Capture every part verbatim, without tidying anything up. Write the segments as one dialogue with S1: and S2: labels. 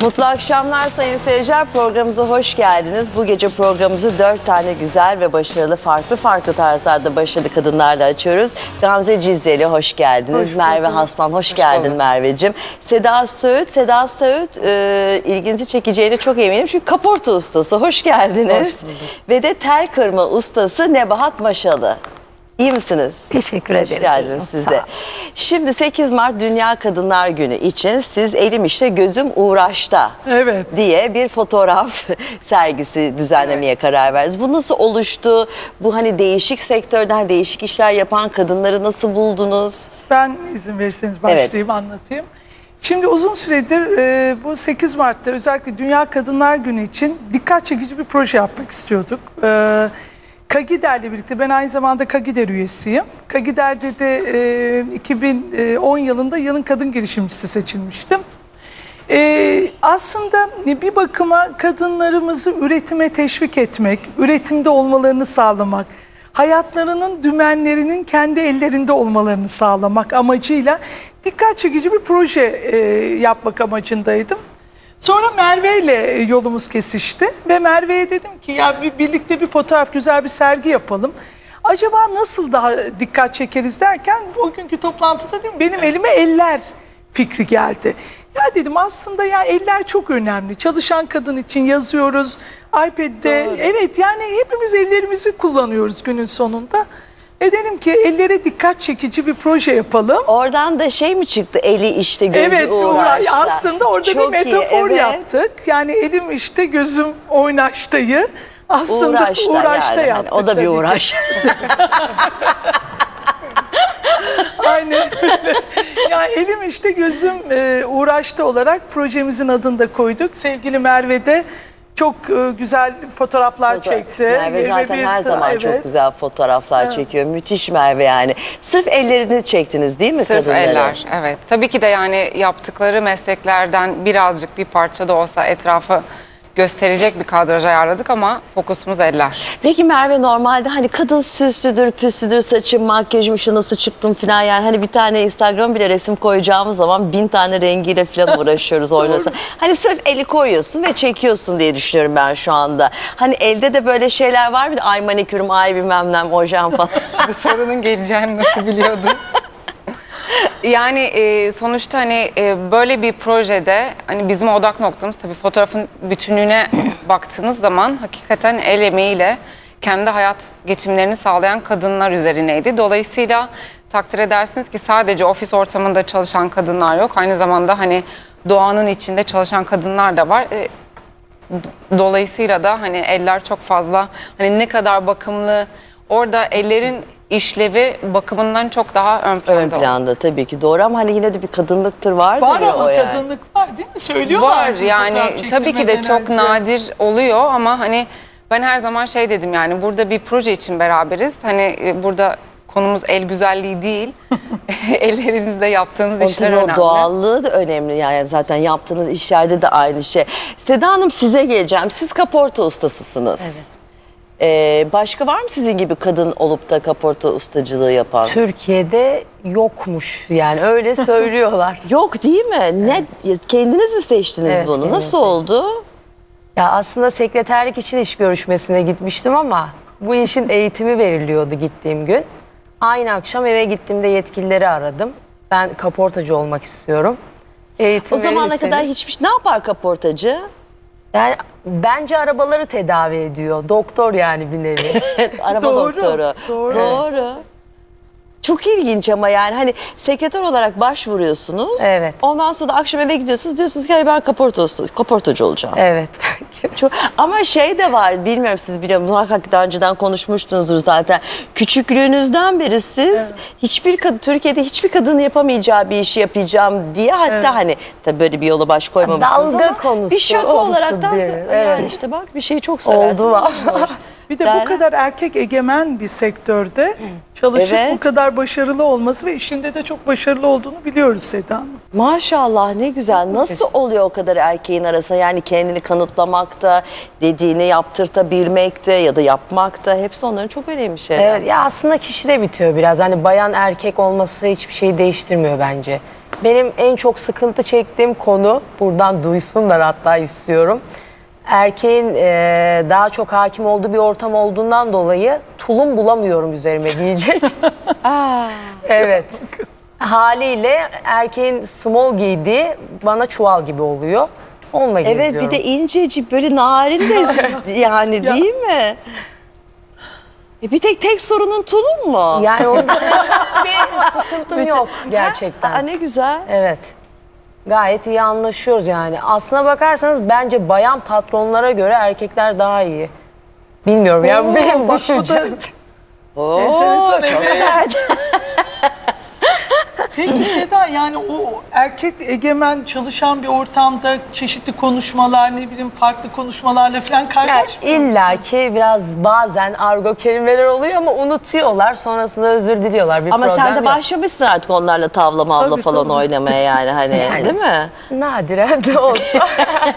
S1: Mutlu akşamlar sayın seyirciler. Programımıza hoş geldiniz. Bu gece programımızı dört tane güzel ve başarılı, farklı farklı tarzlarda başarılı kadınlarla açıyoruz. Gamze Cizreli hoş geldiniz. Hoş Merve Hasman hoş, hoş geldin bulduk. Merveciğim. Seda Söğüt, Seda Söğüt e, ilginizi çekeceğine çok eminim. Çünkü kaporta ustası. Hoş geldiniz. Hoş ve de tel kırma ustası Nebahat Maşalı. İyi misiniz?
S2: Teşekkür ederim.
S1: Hoş geldiniz siz de. Şimdi sekiz Mart Dünya Kadınlar Günü için siz Elim İşte Gözüm Uğraş'ta
S3: evet.
S1: diye bir fotoğraf sergisi düzenlemeye evet. karar verdiniz. Bu nasıl oluştu? Bu hani değişik sektörden değişik işler yapan kadınları nasıl buldunuz?
S3: Ben izin verirseniz başlayayım evet. anlatayım. Şimdi uzun süredir e, bu sekiz Mart'ta özellikle Dünya Kadınlar Günü için dikkat çekici bir proje yapmak istiyorduk. E, Kagider'le birlikte, ben aynı zamanda Kagider üyesiyim. Kagider'de de e, iki bin on yılında yılın kadın girişimcisi seçilmiştim. E, aslında bir bakıma kadınlarımızı üretime teşvik etmek, üretimde olmalarını sağlamak, hayatlarının dümenlerinin kendi ellerinde olmalarını sağlamak amacıyla dikkat çekici bir proje e, yapmak amacındaydım. Sonra Merve ile yolumuz kesişti ve Merve'ye dedim ki ya bir, birlikte bir fotoğraf, güzel bir sergi yapalım. Acaba nasıl daha dikkat çekeriz derken o günkü toplantıda dedim benim elime eller fikri geldi. Ya dedim aslında ya eller çok önemli. Çalışan kadın için yazıyoruz iPad'de. Doğru. Evet yani hepimiz ellerimizi kullanıyoruz günün sonunda. E dedim ki ellere dikkat çekici bir proje yapalım.
S1: Oradan da şey mi çıktı? Eli işte gözü
S3: evet,
S1: uğraşta.
S3: Aslında orada çok bir metafor iyi, evet. yaptık. Yani elim işte gözüm oynaştayı aslında uğraşta, uğraşta yani. yaptık.
S1: O da bir uğraş.
S3: Aynen. Yani elim işte gözüm e, uğraşta olarak projemizin adını da koyduk. Sevgili Merve de çok e, güzel fotoğraflar Foto çekti.
S1: Merve zaten bir, her zaman evet. çok güzel fotoğraflar evet. çekiyor. Müthiş Merve yani. Sırf ellerini çektiniz değil mi?
S4: Sırf kadınları? Eller evet. Tabii ki de yani yaptıkları mesleklerden birazcık bir parça da olsa etrafı gösterecek bir kadraj ayarladık ama fokusumuz eller.
S1: Peki Merve normalde hani kadın süslüdür, püslüdür, saçım, makyajım, işte nasıl çıktım falan yani hani bir tane Instagram bile resim koyacağımız zaman bin tane rengiyle falan uğraşıyoruz oynasa. Hani sırf eli koyuyorsun ve çekiyorsun diye düşünüyorum ben şu anda. Hani evde de böyle şeyler var mı? Ay manikürüm, ay bilmem ne, ojem falan.
S4: Bu sorunun geleceğini nasıl biliyordun? Yani e, sonuçta hani e, böyle bir projede hani bizim odak noktamız tabii fotoğrafın bütünlüğüne baktığınız zaman hakikaten el emeğiyle kendi hayat geçimlerini sağlayan kadınlar üzerineydi. Dolayısıyla takdir edersiniz ki sadece ofis ortamında çalışan kadınlar yok. Aynı zamanda hani doğanın içinde çalışan kadınlar da var. E, dolayısıyla da hani eller çok fazla hani ne kadar bakımlı, orada ellerin işlevi bakımından çok daha ön planda. Ön
S1: planda oldu. Tabii ki doğru ama hani yine de bir kadınlıktır vardır
S3: var
S1: ya
S3: ama
S1: o yani.
S3: Kadınlık var değil mi? Söylüyorlar.
S4: Var yani tabii ki de çok önce. nadir oluyor ama hani ben her zaman şey dedim yani burada bir proje için beraberiz. Hani burada konumuz el güzelliği değil. Ellerinizle yaptığınız o işler önemli.
S1: Doğallığı da önemli yani zaten yaptığınız işlerde de aynı şey. Seda Hanım size geleceğim. Siz kaporta ustasısınız. Evet. Ee, başka var mı sizin gibi kadın olup da kaporta ustacılığı yapan?
S2: Türkiye'de yokmuş yani öyle söylüyorlar.
S1: Yok değil mi? Evet. Ne kendiniz mi seçtiniz evet, bunu? Nasıl seçtim. oldu?
S2: Ya aslında sekreterlik için iş görüşmesine gitmiştim ama bu işin eğitimi veriliyordu gittiğim gün. Aynı akşam eve gittiğimde yetkilileri aradım. Ben kaportacı olmak istiyorum. Eğitim
S1: o zamana kadar hiçbir ne yapar kaportacı?
S2: Yani bence arabaları tedavi ediyor. Doktor yani bir nevi.
S1: Araba doğru, doktoru. Doğru. Doğru. Çok ilginç ama yani hani sekreter olarak başvuruyorsunuz.
S2: Evet.
S1: Ondan sonra da akşam eve gidiyorsunuz. Diyorsunuz ki ben kaporta, kaportacı olacağım.
S2: Evet.
S1: Çok, ama şey de var bilmiyorum siz biliyor musunuz? Muhakkak daha önceden konuşmuştunuzdur zaten. Küçüklüğünüzden beri siz evet. hiçbir kadın Türkiye'de hiçbir kadının yapamayacağı bir işi yapacağım diye hatta evet. hani tabii böyle bir yola baş koymamışsınız
S2: dalga
S1: ama
S2: konusu
S1: bir şaka olaraktan sonra
S2: evet.
S1: yani işte bak bir şey çok söylersin.
S2: Oldu
S3: Bir de bu kadar erkek egemen bir sektörde çalışıp evet. bu kadar başarılı olması ve işinde de çok başarılı olduğunu biliyoruz Seda Hanım.
S1: Maşallah ne güzel. Nasıl oluyor o kadar erkeğin arasında yani kendini kanıtlamakta, dediğini yaptırtabilmekte ya da yapmakta hepsi onların çok önemli şeyler.
S2: Evet ya aslında kişide bitiyor biraz. Hani bayan erkek olması hiçbir şeyi değiştirmiyor bence. Benim en çok sıkıntı çektiğim konu, buradan duysunlar hatta istiyorum. Erkeğin e, daha çok hakim olduğu bir ortam olduğundan dolayı tulum bulamıyorum üzerime giyecek. Aa, evet. Haliyle erkeğin small giydiği bana çuval gibi oluyor. Onunla geziyorum.
S1: Evet, bir de incecik böyle narin de yani değil mi? E bir tek tek sorunun tulum mu?
S2: Yani onda çok bir sıkıntım
S1: Bütün-
S2: yok gerçekten.
S1: Aa, ne güzel.
S2: Evet. Gayet iyi anlaşıyoruz yani. Aslına bakarsanız bence bayan patronlara göre erkekler daha iyi. Bilmiyorum ya,
S3: Oo,
S2: benim
S3: bak bu da
S2: düşüncem.
S1: Oo,
S3: enteresan,
S1: çok
S3: evet.
S1: sert.
S3: Peki Seda, yani o erkek egemen çalışan bir ortamda çeşitli konuşmalar, ne bileyim farklı konuşmalarla falan
S2: Yani
S3: karşılaşmıyor musun?
S2: İlla ki biraz bazen argo kelimeler oluyor ama unutuyorlar. Sonrasında özür diliyorlar. Bir
S1: Ama
S2: problem
S1: sen de
S2: yok.
S1: başlamışsın artık onlarla tavla mavla
S3: Tabii,
S1: falan
S3: tabii.
S1: oynamaya yani hani değil mi?
S2: Nadiren de olsa.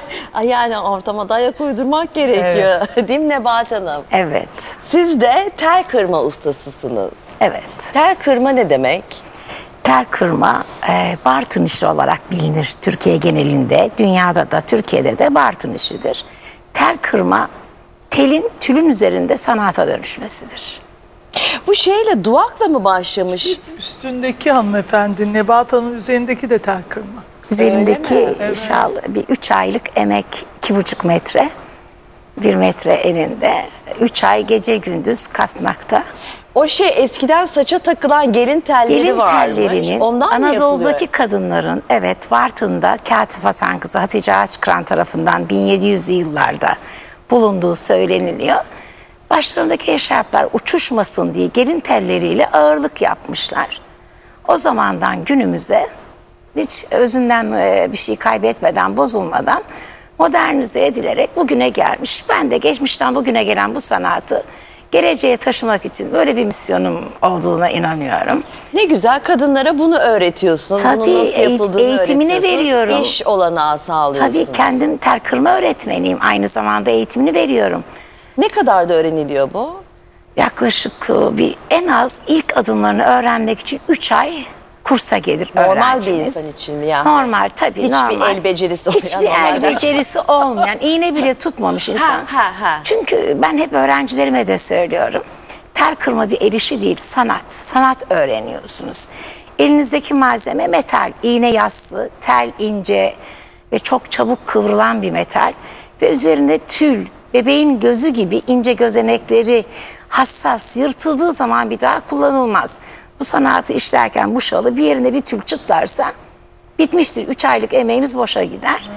S1: Ay yani ortama da ayak uydurmak gerekiyor. Değil mi Nebahat Hanım?
S5: Evet,
S1: Siz de tel kırma ustasısınız.
S5: evet.
S1: Tel kırma ne demek?
S5: Tel kırma e, Bartın işi olarak bilinir Türkiye genelinde. Dünyada da Türkiye'de de Bartın işidir. Tel kırma telin tülün üzerinde sanata dönüşmesidir.
S1: Bu şeyle duvakla mı başlamış?
S3: Üstündeki hanımefendi, Nebahat Hanım üzerindeki de tel kırma.
S5: Üzerimdeki şal bir üç aylık emek, iki buçuk metre, bir metre eninde. Üç ay gece gündüz kasnakta.
S1: O şey eskiden saça takılan gelin telleri
S5: Gelin
S1: varmış.
S5: tellerinin
S1: Ondan mı
S5: Anadolu'daki
S1: yapılıyor?
S5: kadınların, evet, Bartın'da Katip Hasan kızı Hatice Ağaçkıran tarafından bin yedi yüzlü yıllarda bulunduğu söyleniliyor. Başlarındaki eşarplar uçuşmasın diye gelin telleriyle ağırlık yapmışlar. O zamandan günümüze hiç özünden e, bir şey kaybetmeden, bozulmadan modernize edilerek bugüne gelmiş. Ben de geçmişten bugüne gelen bu sanatı geleceğe taşımak için böyle bir misyonum olduğuna inanıyorum.
S1: Ne güzel, kadınlara bunu öğretiyorsunuz.
S5: Tabii,
S1: Bunun nasıl
S5: eğit-
S1: yapıldığını
S5: eğitimini
S1: öğretiyorsunuz.
S5: veriyorum.
S1: İş olanağı sağlıyorsunuz.
S5: Tabii kendim tel kırma öğretmeniyim. Aynı zamanda eğitimini veriyorum.
S1: Ne kadar da öğreniliyor bu?
S5: Yaklaşık e, bir en az ilk adımlarını öğrenmek için üç ay kursa gelir
S1: Normal bir
S5: öğrencimiz.
S1: insan için mi yani?
S5: Normal tabii,
S1: Hiçbir
S5: normal.
S1: el becerisi
S5: Hiçbir
S1: olmayan
S5: el
S1: normal.
S5: becerisi olmayan, iğne bile tutmamış insan.
S1: ha, ha.
S5: Çünkü ben hep öğrencilerime de söylüyorum. Tel kırma bir el işi değil, sanat. Sanat öğreniyorsunuz. Elinizdeki malzeme metal, iğne yassı, tel ince ve çok çabuk kıvrılan bir metal. Ve üzerinde tül, bebeğin gözü gibi ince gözenekleri hassas, yırtıldığı zaman bir daha kullanılmaz. Bu sanatı işlerken bu şalı bir yerine bir tül çıtlarsa bitmiştir. Üç aylık emeğiniz boşa gider.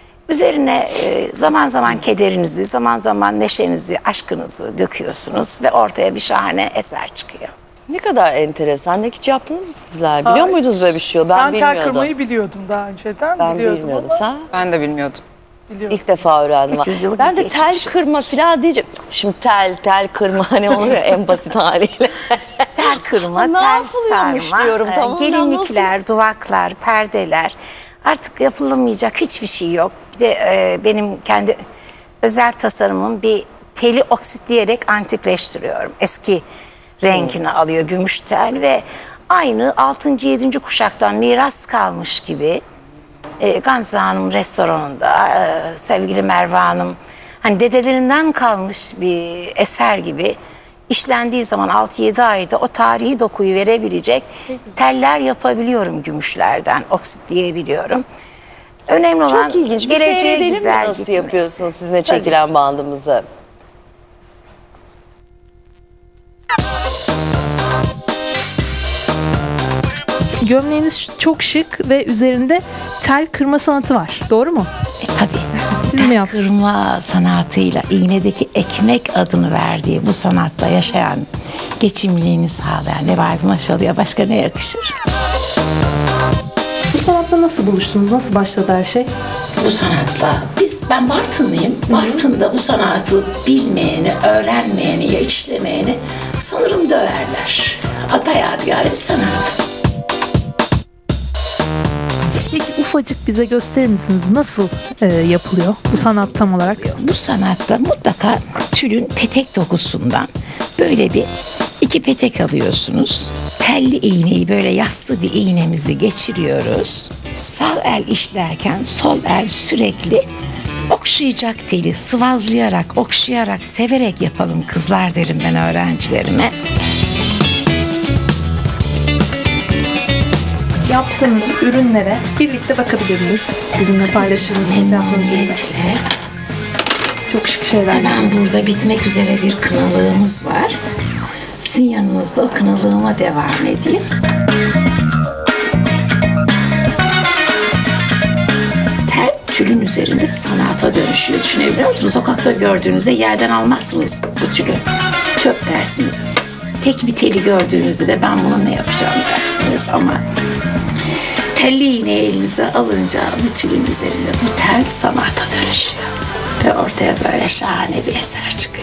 S5: Üzerine e, zaman zaman kederinizi, zaman zaman neşenizi, aşkınızı döküyorsunuz ve ortaya bir şahane eser çıkıyor.
S1: Ne kadar enteresan. Ne hiç yaptınız mı sizler? Biliyor
S3: Hayır.
S1: muydunuz böyle bir şey? Ben,
S3: Ben
S1: bilmiyordum.
S3: tel kırmayı biliyordum daha önceden.
S1: Ben
S3: biliyordum
S1: bilmiyordum.
S3: ama
S1: Sen?
S4: Ben de bilmiyordum.
S3: biliyordum.
S1: İlk defa öğrendim.
S5: üç yüz yıllık
S1: Ben
S5: bir
S1: de tel
S5: geçmiş.
S1: kırma falan diyeceğim. Şimdi tel, tel kırma hani oluyor en basit haliyle.
S5: Tel kırma,
S1: Ne
S5: tel
S1: yapılıyormuş
S5: sarma,
S1: diyorum,
S5: e,
S1: tamam,
S5: gelinlikler, duvaklar, perdeler. Artık yapılamayacak hiçbir şey yok. Bir de e, benim kendi özel tasarımım, bir teli oksitleyerek antikleştiriyorum. Eski rengini alıyor gümüş tel ve aynı altıncı yedinci kuşaktan miras kalmış gibi e, Gamze Hanım restoranında e, sevgili Merve Hanım hani dedelerinden kalmış bir eser gibi işlendiği zaman altı yedi ayda o tarihi dokuyu verebilecek teller yapabiliyorum gümüşlerden, oksitleyebiliyorum. Önemli olan
S1: Çok ilginç. Bir
S5: geleceğe
S1: seyredelim mi
S5: güzel
S1: nasıl
S5: gitmesi.
S1: yapıyorsunuz sizinle çekilen bandımızı?
S6: Gömleğiniz çok şık ve üzerinde tel kırma sanatı var. Doğru mu?
S5: E, tabii.
S6: Siz mi yaptınız?
S5: Kırma sanatıyla iğnedeki ekmek adını verdiği bu sanatta yaşayan, geçimliğini sağlayan Nebahat Maşalı'ya başka ne yakışır?
S6: Bu sanatla nasıl buluştunuz? Nasıl başladı her şey?
S5: Bu sanatla, biz ben Bartınlıyım. Bartın'da bu sanatı bilmeyeni, öğrenmeyeni ya işlemeyeni sanırım döverler. Ata yadigarı bir sanat.
S6: Peki ufacık bize gösterir misiniz? Nasıl e, yapılıyor bu sanat tam olarak?
S5: Bu sanatta mutlaka tülün petek dokusundan böyle bir iki petek alıyorsunuz. telli iğneyi böyle yassı bir iğnemizi geçiriyoruz. Sağ el işlerken sol el sürekli okşayacak teli, sıvazlayarak, okşayarak, severek yapalım kızlar derim ben öğrencilerime.
S6: Yaptığınız ürünlere birlikte bakabilir miyiz? Bizimle paylaşır mısınız yaptığınız ürünleri?
S5: Memnuniyetle.
S6: Çok şık şeyler.
S5: Hemen burada bitmek üzere bir kınalığımız var. Sizin yanınızda o kınalığıma devam edeyim. Tel tülün üzerinde sanata dönüşüyor. Düşünebiliyor musunuz? Sokakta gördüğünüzde yerden almazsınız bu tülü. Çöp dersiniz. Tek bir teli gördüğünüzde de ben bunu ne yapacağım dersiniz ama telli iğneyi elinize alınca bu tülün üzerinde bu tel sanata dönüşüyor. Ve ortaya böyle şahane bir eser çıkıyor.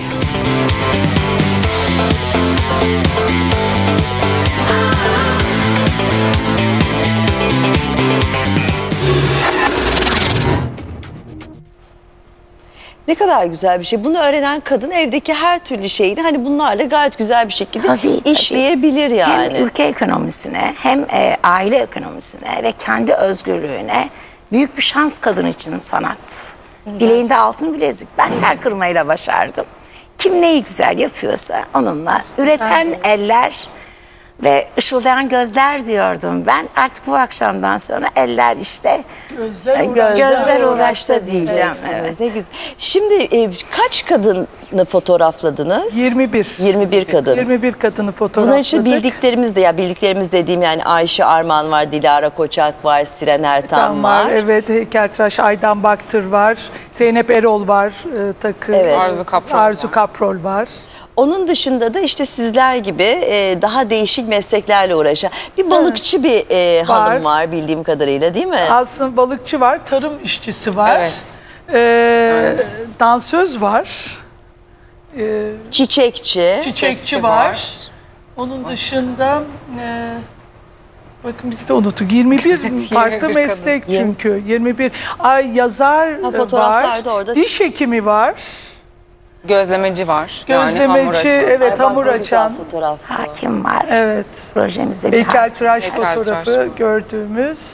S1: Ne kadar güzel bir şey. Bunu öğrenen kadın evdeki her türlü şeyini hani bunlarla gayet güzel bir şekilde
S5: Tabii, tabii.
S1: işleyebilir yani.
S5: Hem ülke ekonomisine hem e, aile ekonomisine ve kendi özgürlüğüne büyük bir şans kadın için sanat. Bileğinde altın bilezik. Ben tel kırmayla başardım. Kim neyi güzel yapıyorsa onunla. Üreten eller ve ışıldayan gözler diyordum ben. Artık bu akşamdan sonra eller işte
S3: Gözler
S5: e,
S3: uğraştı.
S5: gözler uğraştı diyeceğim.
S1: Evet,
S5: Evet.
S1: Ne güzel. Şimdi e, kaç kadını fotoğrafladınız?
S3: yirmi bir.
S1: yirmi bir kadın.
S3: yirmi bir kadını
S1: Bunların
S3: fotoğrafladık.
S1: için bildiklerimiz de ya bildiklerimiz dediğim yani Ayşe Arman var, Dilara Koçak var, Siren Ertan
S3: Tam
S1: var.
S3: var. Evet, heykeltıraş Aydan Baktır var. Zeynep Erol var. E, takı.
S1: Evet.
S4: Arzu Kaprol
S3: Arzu
S4: var.
S3: Kaprol var.
S1: Onun dışında da işte sizler gibi e, daha değişik mesleklerle uğraşan bir balıkçı bir e, hanım
S3: Var.
S1: var bildiğim kadarıyla değil mi?
S3: Aslında balıkçı var, tarım işçisi var.
S4: Evet.
S3: Ee, Dansöz var. Ee,
S1: Çiçekçi.
S3: çiçekçi var. Onun dışında e, bakın biz de unuttuk. yirmi bir farklı
S4: kadın.
S3: meslek çünkü. yirmi bir. Ay yazar
S1: Ha,
S3: var.
S1: fotoğraflar da orada.
S3: Diş hekimi var.
S4: Gözlemeci var. yani hamur
S3: Gözlemeci,
S4: açan.
S3: evet
S1: Ay, bak,
S3: hamur
S1: ne güzel
S3: açan.
S1: fotoğraf bu.
S5: Hakim var.
S3: Evet.
S5: Projemizde bir hakim.
S3: Heykeltıraş
S4: Heykeltıraş
S3: fotoğrafı
S4: var.
S3: gördüğümüz.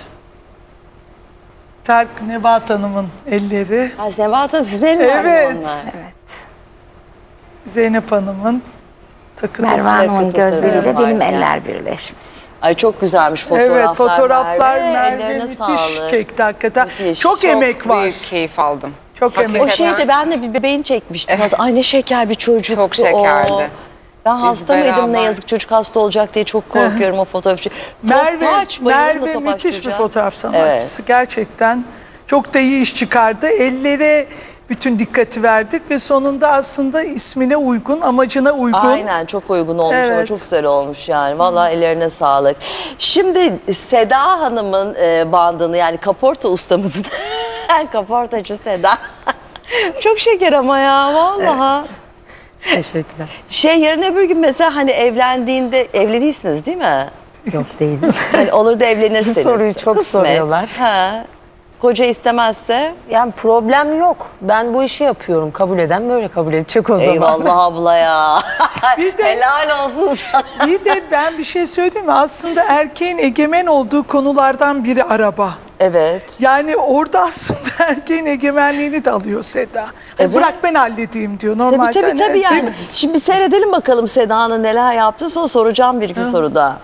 S3: Terk Nebahat Hanım'ın elleri.
S1: Ay Nebahat Hanım sizin eliniz
S3: Evet.
S1: onlar.
S5: Evet.
S3: Zeynep Hanım'ın takıntısı.
S5: Merve Hanım'ın
S1: takıntısı
S5: gözleriyle
S1: var
S5: benim
S1: yani.
S5: eller birleşmiş.
S1: Ay çok güzelmiş fotoğraflar.
S3: Evet, fotoğraflar Merve,
S1: ellerine
S3: müthiş
S1: sağlık.
S3: çekti hakikaten.
S1: Müthiş.
S3: Çok,
S4: Çok
S3: emek var.
S4: büyük keyif aldım.
S3: Çok emek.
S1: O
S4: Hakikaten.
S1: şeyde ben de bir bebeğini çekmiştim. Ay ne şeker bir çocuktu
S4: Çok şekerdi.
S1: o. Ben hasta mıydım ne
S4: beraber-
S1: yazık çocuk hasta olacak diye çok korkuyorum o fotoğrafçı.
S3: Merve,
S1: Topaç, bayıldım da
S3: Merve
S1: Topaç
S3: müthiş bir
S1: çocuğa.
S3: fotoğraf sanatçısı. Gerçekten çok da iyi iş çıkardı. Ellere bütün dikkati verdik ve sonunda aslında ismine uygun, amacına uygun.
S1: Aynen çok uygun olmuş ama
S3: Evet.
S1: çok güzel olmuş yani. Vallahi ellerine sağlık. Şimdi Seda Hanım'ın e, bandını yani kaporta ustamızın kaportacı Seda. Çok şeker ama ya vallahi.
S2: Teşekkürler.
S1: Şey yarın öbür gün mesela hani evlendiğinde evli değilsiniz değil mi?
S2: Yok değilim.
S1: Hani olur da evlenirseniz.
S2: Bu soruyu çok soruyorlar.
S1: Ha. Koca istemezse
S2: Yani problem yok. Ben bu işi yapıyorum. Kabul eden böyle kabul edecek o zaman.
S1: eyvallah abla ya.
S3: Bir de-
S1: Helal olsun sana.
S3: Bir de ben bir şey söyleyeyim mi? Aslında erkeğin egemen olduğu konulardan biri araba.
S1: Evet.
S3: Yani orada aslında erkeğin egemenliğini de alıyor Seda. Hani bırak ben halledeyim diyor.
S1: Tabii
S3: Normalde
S1: tabii
S3: hani-
S1: tabii
S3: değil
S1: yani.
S3: mi?
S1: Şimdi bir seyredelim bakalım Seda'nın neler yaptı sonra soracağım bir iki soru daha.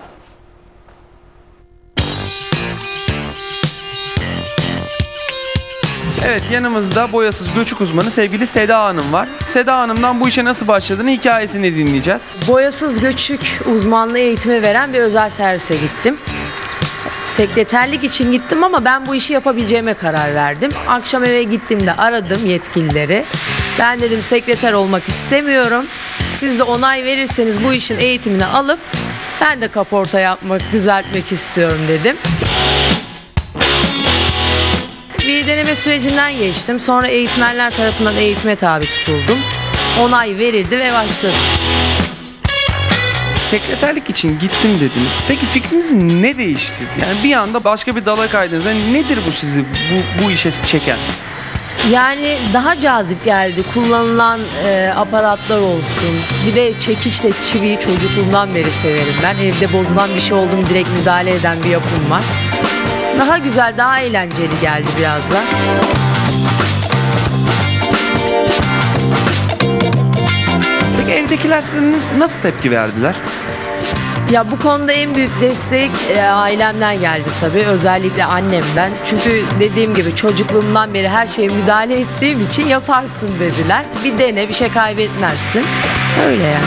S7: Evet, yanımızda boyasız göçük uzmanı sevgili Seda Hanım var. Seda Hanım'dan bu işe nasıl başladığını, hikayesini dinleyeceğiz.
S2: Boyasız göçük uzmanlığı eğitimi veren bir özel servise gittim. Sekreterlik için gittim ama ben bu işi yapabileceğime karar verdim. Akşam eve gittiğimde aradım yetkilileri. Ben dedim sekreter olmak istemiyorum. Siz de onay verirseniz bu işin eğitimini alıp ben de kaporta yapmak, düzeltmek istiyorum dedim. Bir deneme sürecinden geçtim. Sonra eğitmenler tarafından eğitime tabi tutuldum. Onay verildi ve başladım.
S7: Sekreterlik için gittim dediniz. Peki fikriniz ne değişti? Yani bir anda başka bir dala kaydınız. Yani nedir bu sizi bu, bu işe çeken?
S2: Yani daha cazip geldi. Kullanılan e, aparatlar olsun. Bir de çekiçle çiviyi çocukluğumdan beri severim ben. Evde bozulan bir şey oldu mu direkt müdahale eden bir yapım var. Daha güzel, daha eğlenceli geldi biraz da.
S7: Peki evdekiler sizin nasıl tepki verdiler?
S2: Ya bu konuda en büyük destek e, ailemden geldi tabii. Özellikle annemden. Çünkü dediğim gibi çocukluğumdan beri her şeye müdahale ettiğim için yaparsın dediler. Bir dene, bir şey kaybetmezsin. Öyle yani.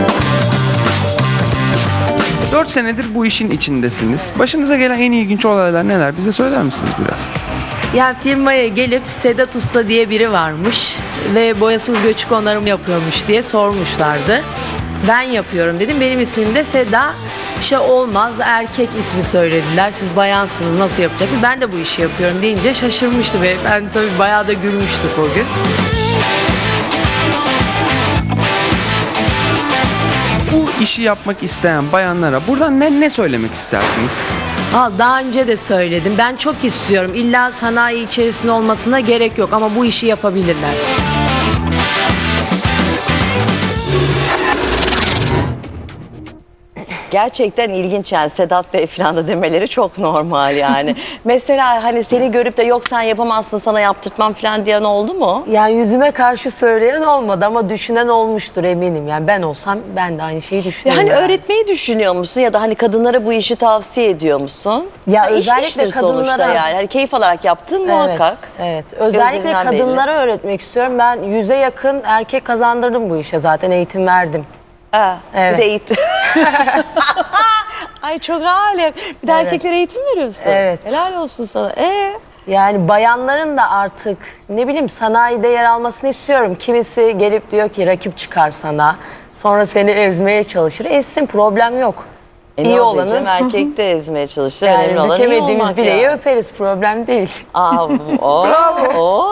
S7: dört senedir bu işin içindesiniz. Başınıza gelen en ilginç olaylar neler? Bize söyler misiniz biraz?
S2: Yani firmaya gelip Sedat Usta diye biri varmış ve boyasız göçük onarım yapıyormuş diye sormuşlardı. Ben yapıyorum dedim. Benim ismim de Seda. İşte olmaz, erkek ismi söylediler. Siz bayansınız, nasıl yapacaksınız? Ben de bu işi yapıyorum deyince şaşırmıştı ve ben tabii bayağı da gülmüştük o gün.
S7: Bu işi yapmak isteyen bayanlara buradan ne, ne söylemek istersiniz?
S2: Aa, daha önce de söyledim. Ben çok istiyorum. İlla sanayi içerisinde olmasına gerek yok ama bu işi yapabilirler.
S1: Gerçekten ilginç yani Sedat Bey falan da demeleri çok normal yani. Mesela hani seni görüp de yok sen yapamazsın sana yaptırtmam falan diyen oldu mu?
S2: Yani yüzüme karşı söyleyen olmadı ama düşünen olmuştur eminim. Yani ben olsam ben de aynı şeyi
S1: Ya
S2: düşünüyorum.
S1: hani
S2: yani.
S1: öğretmeyi düşünüyor musun ya da hani kadınlara bu işi tavsiye ediyor musun?
S2: Ya
S1: Ha, iş
S2: özellikle
S1: iştir sonuçta
S2: kadınlara-
S1: yani. Hani keyif alarak yaptığın muhakkak.
S2: Evet, evet. Özellikle
S1: Gözlerinden
S2: kadınlara öğretmek istiyorum. Ben yüze yakın erkek kazandırdım bu işe zaten eğitim verdim.
S1: Ha,
S2: Evet.
S1: Bir de eğitim. Ay çok alem. Bir de
S2: Evet.
S1: erkeklere eğitim veriyorsun.
S2: Evet.
S1: Helal olsun sana. Ee?
S2: Yani bayanların da artık ne bileyim sanayide yer almasını istiyorum. Kimisi gelip diyor ki rakip çıkar sana. Sonra seni ezmeye çalışır. Ezsin, problem yok.
S1: E ne
S2: İyi
S1: olacak
S2: olanın
S1: canım? Erkek de ezmeye çalışır.
S2: yani
S1: Önemli olan iyi
S2: dökemediğimiz
S1: olmak
S2: bileği
S1: ya.
S2: öperiz, problem değil.
S1: Aa, o, o.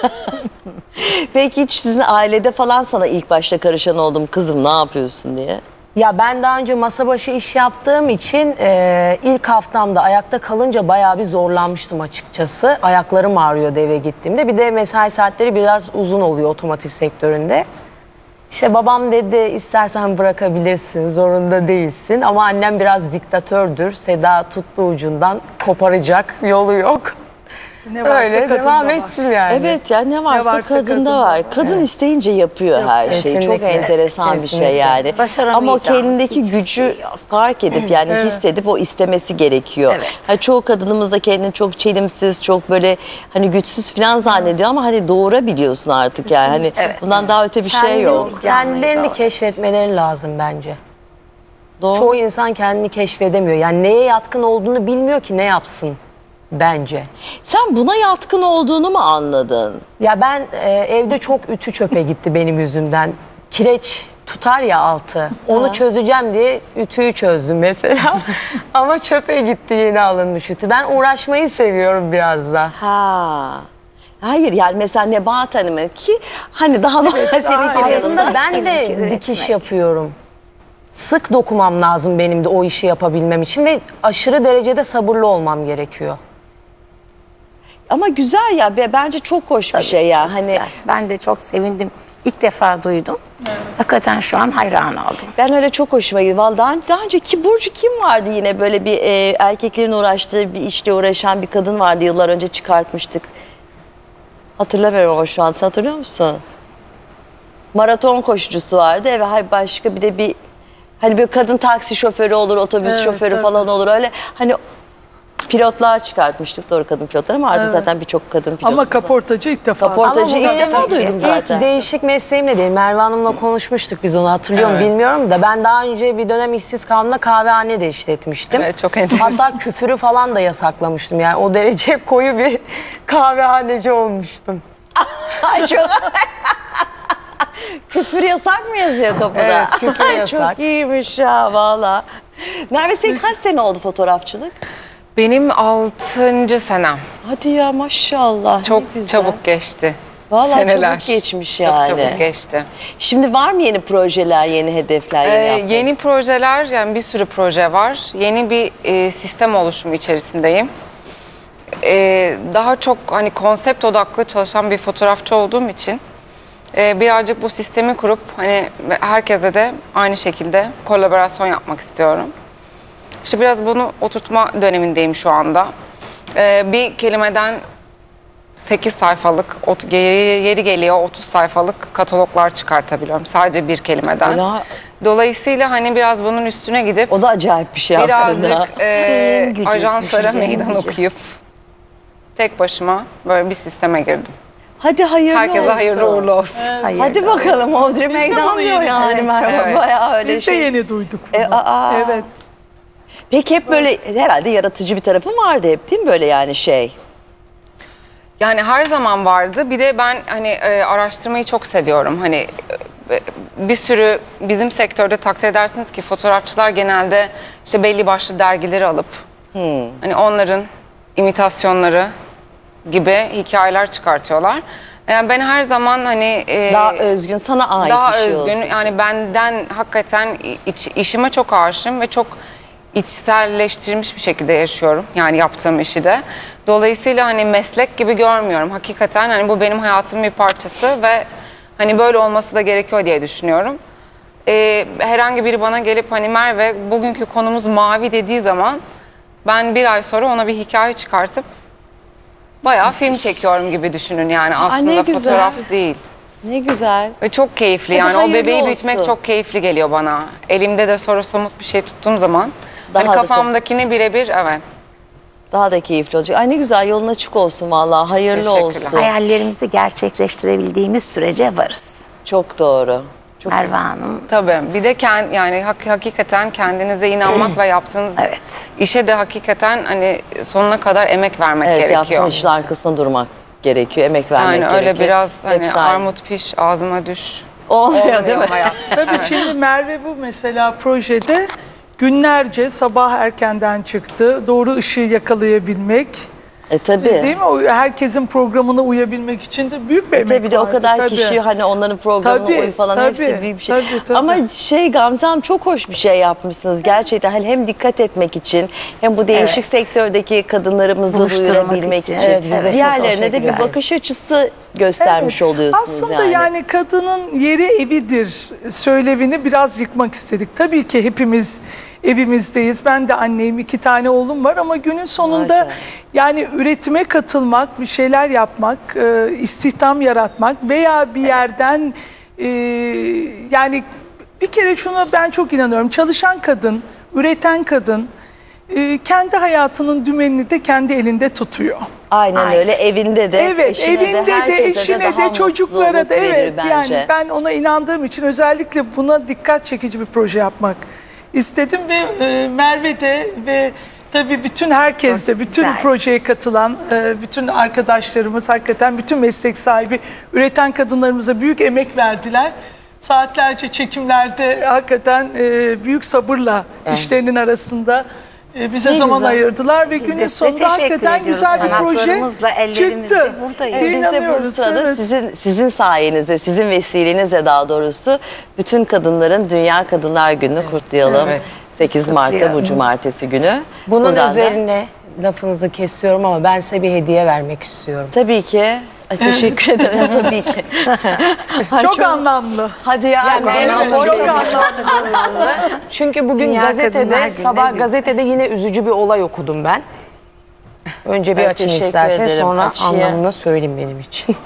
S1: Peki hiç sizin ailede falan sana ilk başta karışan oldu mu? Kızım ne yapıyorsun diye?
S2: Ya ben daha önce masa başı iş yaptığım için e, ilk haftamda ayakta kalınca bayağı bir zorlanmıştım açıkçası. Ayaklarım ağrıyordu eve gittiğimde. Bir de mesai saatleri biraz uzun oluyor otomotiv sektöründe. İşte babam dedi istersen bırakabilirsin, zorunda değilsin. Ama annem biraz diktatördür. Seda tuttu ucundan, koparacak, yolu yok.
S3: Ne varsa
S2: Öyle
S3: kadında
S2: devam
S3: var.
S2: ettim yani.
S1: Evet ya ne varsa,
S3: varsa
S1: kadında
S3: kadında
S1: var.
S3: var.
S1: Kadın isteyince yapıyor her şeyi. Çok
S2: kesinlikle.
S1: enteresan bir şey
S2: Kesinlikle.
S1: yani. Ama o
S5: Başaramayacağımız
S1: kendindeki
S5: hiçbir
S1: gücü
S5: şey yok.
S1: fark edip yani hissedip o istemesi gerekiyor.
S5: Evet.
S1: Hani çoğu kadınımız da kendini çok çelimsiz, çok böyle hani güçsüz falan zannediyor ama hani doğurabiliyorsun artık yani. Hani
S5: Evet.
S1: bundan daha öte bir şey
S2: Kendi-
S1: yok.
S2: Kendilerini
S5: Doğru.
S2: keşfetmeleri lazım bence.
S1: Doğru.
S2: Çoğu insan kendini keşfedemiyor. Yani neye yatkın olduğunu bilmiyor ki ne yapsın bence.
S1: Sen buna yatkın olduğunu mu anladın?
S2: Ya ben e, evde çok ütü çöpe gitti benim yüzümden. Kireç tutar ya altı. Onu çözeceğim diye ütüyü çözdüm mesela. Ama çöpe gitti yeni alınmış ütü. Ben uğraşmayı seviyorum biraz da.
S1: Ha. Hayır yani mesela Nebahat Hanım'ın ki hani daha normal seninki de
S2: Aslında ben de
S5: Benimki üretmek.
S2: dikiş yapıyorum. Sık dokumam lazım benim de o işi yapabilmem için ve aşırı derecede sabırlı olmam gerekiyor.
S1: Ama güzel ya ve bence çok hoş bir şey ya. Hani
S5: Güzel. Ben de çok sevindim. İlk defa duydum. Hakikaten şu an hayran oldum.
S1: ben öyle çok hoşuma gitti. Vallahi daha, daha önce ki Burcu kim vardı yine böyle bir e, erkeklerin uğraştığı bir işle uğraşan bir kadın vardı yıllar önce çıkartmıştık. Hatırlamıyorum ama şu an sen hatırlıyor musun? Maraton koşucusu vardı ve hay başka bir de bir hani böyle kadın taksi şoförü olur, otobüs
S3: Evet,
S1: şoförü
S3: tabii.
S1: falan olur öyle hani pilotlar çıkartmıştık doğru kadın pilotlar ama artık zaten birçok kadın pilotumuz
S3: Ama
S1: var.
S3: kaportacı ilk defa.
S1: Kaport-
S2: Ama bu
S1: Ortacı ilk
S2: benim
S1: defa duydum zaten.
S2: İlk değişik mesleğimle değil. Merve Hanım'la konuşmuştuk biz onu hatırlıyor mu bilmiyorum da ben daha önce bir dönem işsiz kaldığımda kahvehane de işletmiştim.
S4: Evet, çok enteresan.
S2: Hatta küfürü falan da yasaklamıştım yani o derece koyu bir kahvehaneci olmuştum.
S1: Ay çok... Küfür yasak mı yazıyor kapıda?
S2: Evet, küfür
S1: Ay,
S2: yasak.
S1: Çok iyiymiş ya valla. Merve senin kaç sene oldu fotoğrafçılık?
S4: Benim altıncı senem.
S1: Hadi ya maşallah. ne
S4: Çok
S1: güzel.
S4: çabuk geçti.
S1: Vallahi
S4: Seneler.
S1: çabuk geçmiş
S4: Çok
S1: yani.
S4: çabuk geçti.
S1: Şimdi var mı yeni projeler, yeni hedefler, yeni
S4: Ee,
S1: yapmak
S4: yeni projeler, yani bir sürü proje var. Yeni bir e, sistem oluşumu içerisindeyim. e, daha çok hani konsept odaklı çalışan bir fotoğrafçı olduğum için e, birazcık bu sistemi kurup hani herkese de aynı şekilde kolaborasyon yapmak istiyorum. İşte biraz bunu oturtma dönemindeyim şu anda. E, bir kelimeden sekiz sayfalık, yeri, yeri geliyor otuz sayfalık kataloglar çıkartabiliyorum sadece bir kelimeden.
S1: Ela,
S4: Dolayısıyla hani biraz bunun üstüne gidip
S1: o da acayip bir şey aslında.
S4: birazcık e,
S5: En gücü,
S4: ajanslara
S5: düşüncenin
S4: meydan
S5: gücü.
S4: okuyup tek başıma böyle bir sisteme girdim.
S1: Hadi hayırlı
S4: Herkese
S1: olsun.
S4: hayırlı uğurlu olsun.
S5: Hayır.
S1: Hadi bakalım Audrey
S3: Biz de
S1: meydan
S3: bunu
S1: diyor
S3: yeni-
S1: yani
S5: Evet,
S1: Merve.
S4: evet.
S1: Bayağı öyle
S3: Biz de
S1: şey.
S3: yeni duyduk bunu.
S1: E, aa.
S3: Evet.
S1: Peki hep böyle herhalde yaratıcı bir tarafın vardı hep değil mi böyle yani şey?
S4: Yani her zaman vardı. Bir de ben hani e, araştırmayı çok seviyorum. Hani e, bir sürü bizim sektörde takdir edersiniz ki fotoğrafçılar genelde işte belli başlı dergileri alıp hani onların imitasyonları gibi hikayeler çıkartıyorlar. Yani ben her zaman hani e,
S1: Daha özgün, sana ait
S4: daha
S1: bir şey
S4: özgün
S1: olsun.
S4: yani benden hakikaten iç, işime çok aşığım ve çok içselleştirilmiş bir şekilde yaşıyorum yani yaptığım işi de. Dolayısıyla hani meslek gibi görmüyorum. Hakikaten hani bu benim hayatımın bir parçası ve hani böyle olması da gerekiyor diye düşünüyorum. Ee, herhangi biri bana gelip hani Merve bugünkü konumuz mavi dediği zaman ben bir ay sonra ona bir hikaye çıkartıp bayağı film çekiyorum gibi düşünün yani aslında
S1: ne güzel.
S4: fotoğraf değil.
S1: Ne güzel.
S4: Ve çok keyifli
S1: Hadi
S4: yani o
S1: hayırlı
S4: bebeği büyütmek
S1: olsun.
S4: çok keyifli geliyor bana. Elimde de soru somut bir şey tuttuğum zaman
S1: Daha
S4: hani
S1: da
S4: kafamdakini birebir evet.
S1: Daha da keyifli olacak. Ay ne güzel, yolun açık olsun vallahi. Hayırlı
S4: Teşekkürler.
S1: olsun.
S5: Hayallerimizi gerçekleştirebildiğimiz sürece varız.
S1: Çok doğru. Çok
S5: Merve
S1: güzel.
S5: Hanım.
S4: Tabii. Bir de kend, yani hak- hakikaten kendinize inanmak ve yaptığınız
S5: Evet.
S4: işe de hakikaten hani sonuna kadar emek vermek
S1: Evet,
S4: gerekiyor.
S1: yaptığın işin arkasında durmak gerekiyor, emek vermek
S4: Yani
S1: gerekiyor.
S4: öyle biraz hani
S1: Hepsi aynı.
S4: armut piş ağzıma düş.
S1: Olmuyor değil mi?
S4: hayat.
S3: Tabii şimdi Merve bu mesela projede günlerce sabah erkenden çıktı. Doğru ışığı yakalayabilmek.
S1: E tabii.
S3: Değil mi? O herkesin programına uyabilmek için de büyük bir emek
S1: Tabii de o
S3: vardı,
S1: kadar
S3: tabii.
S1: kişi hani onların programına
S3: Tabii,
S1: uy falan
S3: tabii,
S1: hepsi büyük bir şey.
S3: tabii, tabii.
S1: Ama şey Gamze Hanım çok hoş bir şey yapmışsınız gerçekten. Hani hem dikkat etmek için hem bu değişik
S5: Evet.
S1: sektördeki kadınlarımızı
S5: Buluşturmak
S1: duyurabilmek
S5: için.
S1: için.
S2: Evet, bize çok
S1: Diğerlerine
S2: hoş
S1: de bir
S2: güzel.
S1: bakış açısı göstermiş
S3: Evet.
S1: oluyorsunuz
S3: Aslında
S1: yani.
S3: yani. kadının yeri evidir söylevini biraz yıkmak istedik. Tabii ki hepimiz evimizdeyiz. Ben de anneyim, iki tane oğlum var ama günün sonunda
S1: Maşallah.
S3: yani üretime katılmak, bir şeyler yapmak, e, istihdam yaratmak veya bir yerden e, yani bir kere şuna ben çok inanıyorum. Çalışan kadın, üreten kadın e, kendi hayatının dümenini de kendi elinde tutuyor.
S1: Aynen
S5: Aynen.
S1: öyle, evinde de,
S3: Evet,
S1: eşine
S3: evinde de,
S1: herkese
S3: eşine
S1: daha
S3: de, çocuklara
S1: mutluluk
S3: da
S1: verir
S3: evet
S1: bence.
S3: yani ben ona inandığım için özellikle buna dikkat çekici bir proje yapmak istedim ve e, Merve de ve tabii bütün herkes de,
S5: Çok
S3: bütün
S5: güzel.
S3: projeye katılan e, bütün arkadaşlarımız, hakikaten bütün meslek sahibi üreten kadınlarımıza büyük emek verdiler. Saatlerce çekimlerde hakikaten e, büyük sabırla işlerinin arasında e, bize
S1: Ne
S3: zaman
S1: güzel.
S3: ayırdılar ve
S5: Biz de
S3: günün
S5: size
S3: sonunda
S5: teşekkür
S3: hakikaten
S5: ediyoruz.
S3: güzel bir proje
S5: Sanatlarımızla, ellerimizle
S3: çıktı.
S5: buradayız.
S1: Evet, biz de bu
S3: İnanıyoruz,
S1: sırada
S3: evet.
S1: sizin, sizin sayenizde, sizin vesilenizle daha doğrusu bütün kadınların Dünya Kadınlar Günü'nü kutlayalım.
S4: Evet.
S1: sekiz Mart'ta bu
S5: Kutlayalım.
S1: cumartesi günü.
S2: Bunun
S1: Buradan da-
S2: üzerine lafınızı kesiyorum ama ben size bir hediye vermek istiyorum.
S1: Tabii ki. Ay, teşekkür ederim tabii ki. Ay,
S3: Çok anlamlı.
S1: Hadi ya.
S2: Yani
S1: ben-
S2: benim
S3: Çok
S2: boş
S3: anlamlı.
S2: Çünkü bugün
S5: Dünya Kadınlar
S2: gazetede,
S5: Günü'ne
S2: sabah
S5: biz-
S2: gazetede yine üzücü bir olay okudum ben. Önce bir
S1: Evet,
S2: açın
S1: teşekkür
S2: isterseniz
S1: ederim.
S2: sonra
S1: Açayım.
S2: anlamını söyleyeyim benim için.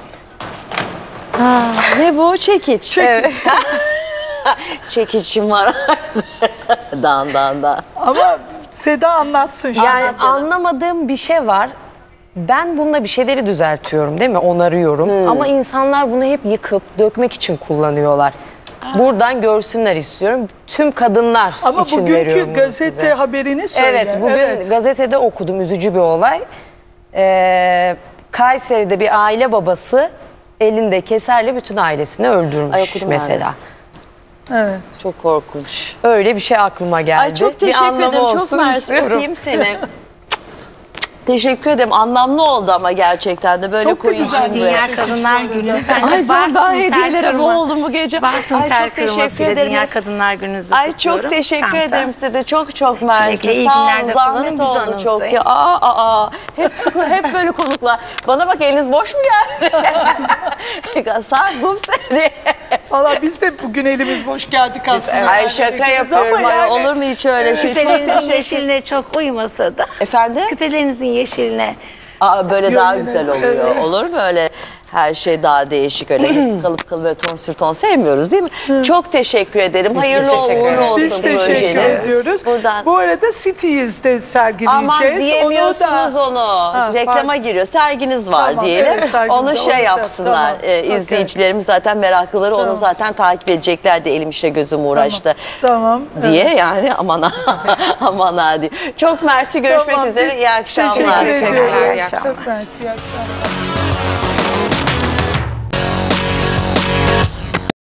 S1: Ne bu? Çekiç.
S3: Çekiç.
S1: Çekiçim var. dan dan dan.
S3: Ama Seda anlatsın şimdi.
S2: Yani anlamadığım bir şey var. Ben bununla bir şeyleri düzeltiyorum değil mi? Onarıyorum. Ama insanlar bunu hep yıkıp dökmek için kullanıyorlar. Buradan görsünler istiyorum. Tüm kadınlar
S3: Ama
S2: için
S3: bugünkü
S2: veriyorum bunu
S3: gazete
S2: size.
S3: haberini söyle.
S2: Evet, bugün
S3: Evet.
S2: gazetede okudum üzücü bir olay. Ee, Kayseri'de bir aile babası elinde keserle bütün ailesini öldürmüş
S1: Ay, okudum ben de.
S2: mesela.
S3: Evet.
S1: Çok korkunç.
S2: Öyle bir şey aklıma geldi.
S1: Ay çok
S2: Bir
S1: teşekkür
S2: anlamı
S1: ederim. Çok
S2: olsun
S1: mersi.
S2: istiyorum.
S1: Öpeyim seni. Teşekkür ederim. Anlamlı oldu ama gerçekten de böyle
S3: Çok da
S1: koyun
S3: güzel.
S1: şimdi.
S5: Dünya
S3: Çekiç
S5: Kadınlar
S3: bu
S5: Günü.
S3: arada.
S5: Ben
S1: Ay
S5: de
S1: ben, ben
S5: Bartın
S1: hediyelere
S5: tel kırma-
S1: boğuldum bu gece.
S5: Bartın
S1: Ay
S5: tel
S1: çok teşekkür
S5: kırmasıyla
S1: ederim.
S5: Dünya Kadınlar Günü'nüzü
S1: Ay
S5: kutluyorum.
S1: çok teşekkür
S5: Çanta.
S1: ederim size de. Çok çok mersi.
S5: Güle güle, iyi
S1: Sağ olun.
S5: günlerde
S1: Zahmet
S5: kullanın, biz
S1: oldu
S5: anımsayın.
S1: çok ya. Aa, aa, aa. Hep, hep böyle konuklar. Bana bak eliniz boş mu geldi? Saat bu seni.
S3: Valla biz de bugün elimiz boş geldik aslında.
S1: Ay
S3: Yani
S1: şaka
S3: gidiyoruz
S1: yapıyorum.
S3: ama
S1: Ay,
S3: yani-
S1: olur mu hiç öyle şey? Çok
S5: Küpelerinizin
S1: teşekkür-
S5: yeşiline çok uymasa da.
S1: Efendim?
S5: Küpelerinizin yeşiline.
S1: Aa, böyle
S3: Yok,
S1: daha
S3: yine-
S1: güzel oluyor.
S3: Evet.
S1: Olur mu öyle her şey daha değişik öyle kalıp kalıp ve ton sür ton sevmiyoruz değil mi? Çok teşekkür ederim. Hayırlı
S4: teşekkür
S1: uğurlu
S4: ederiz.
S1: olsun
S3: Biz teşekkür
S1: projeniz.
S3: ediyoruz.
S1: Buradan.
S3: Bu arada City's'de sergileyeceğiz.
S1: Aman diyemiyorsunuz
S3: da-
S1: onu.
S3: Ha,
S1: Reklama
S3: pardon.
S1: giriyor. Serginiz var
S3: Tamam,
S1: diyelim.
S3: evet, sergimiz
S1: onu
S3: var,
S1: şey
S3: onu
S1: yapsınlar.
S3: tamam,
S1: Ee,
S3: okey.
S1: izleyicilerimiz zaten meraklıları onu
S3: Tamam.
S1: zaten takip edeceklerdi. Elim işte gözüm uğraştı.
S3: Tamam.
S1: Diye yani aman ha aman ha diye. Çok mersi görüşmek
S3: Tamam,
S1: üzere.
S3: biz
S1: İyi akşamlar.
S3: Teşekkür
S4: Teşekkürler,
S3: ediyoruz.
S4: iyi akşamlar.
S3: Çok mersi, iyi akşamlar.